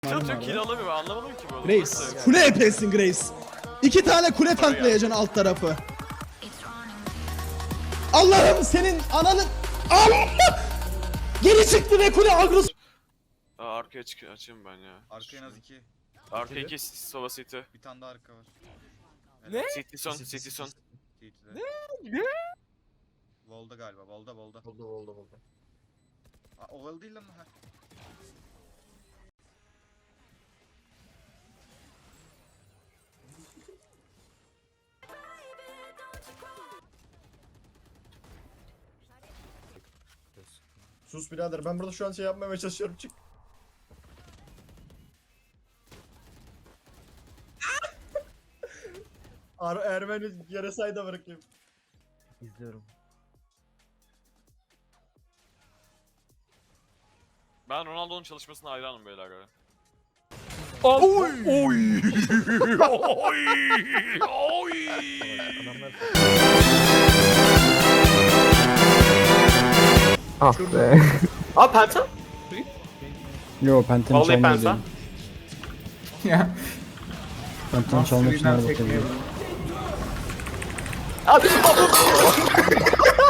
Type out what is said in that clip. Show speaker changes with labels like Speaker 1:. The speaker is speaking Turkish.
Speaker 1: Çok kill alamıyor, ben anlamadım ki bu.
Speaker 2: Grace. Kule epesin Grace. 2 tane kule tanklayacaksın alt tarafı. Allah'ım senin ananın... Allah! Geri çıktı ve kule agros...
Speaker 1: Arkaya açayım ben ya.
Speaker 3: Arka en az 2.
Speaker 1: Arka 2 Sova City.
Speaker 3: Bir tane daha arka var.
Speaker 4: Ne?
Speaker 1: City son, City son.
Speaker 3: Ne? Volda galiba. Volda.
Speaker 4: Oldu.
Speaker 3: Aa, oval değil lan. Ha.
Speaker 4: Sus birader, ben burada şu an şey yapmaya çalışıyorum, çık. Ermeni yere sayda bırakayım.
Speaker 5: İzliyorum.
Speaker 1: Ben Ronaldo'nun çalışmasına hayranım beyler ya.
Speaker 5: Ah be.
Speaker 6: Aa Penta?
Speaker 7: Yo Penten
Speaker 6: Vallahi
Speaker 7: çalmıyor
Speaker 6: Penta.
Speaker 7: değil. Penten çalmak için her bakabiliyor.
Speaker 6: Abi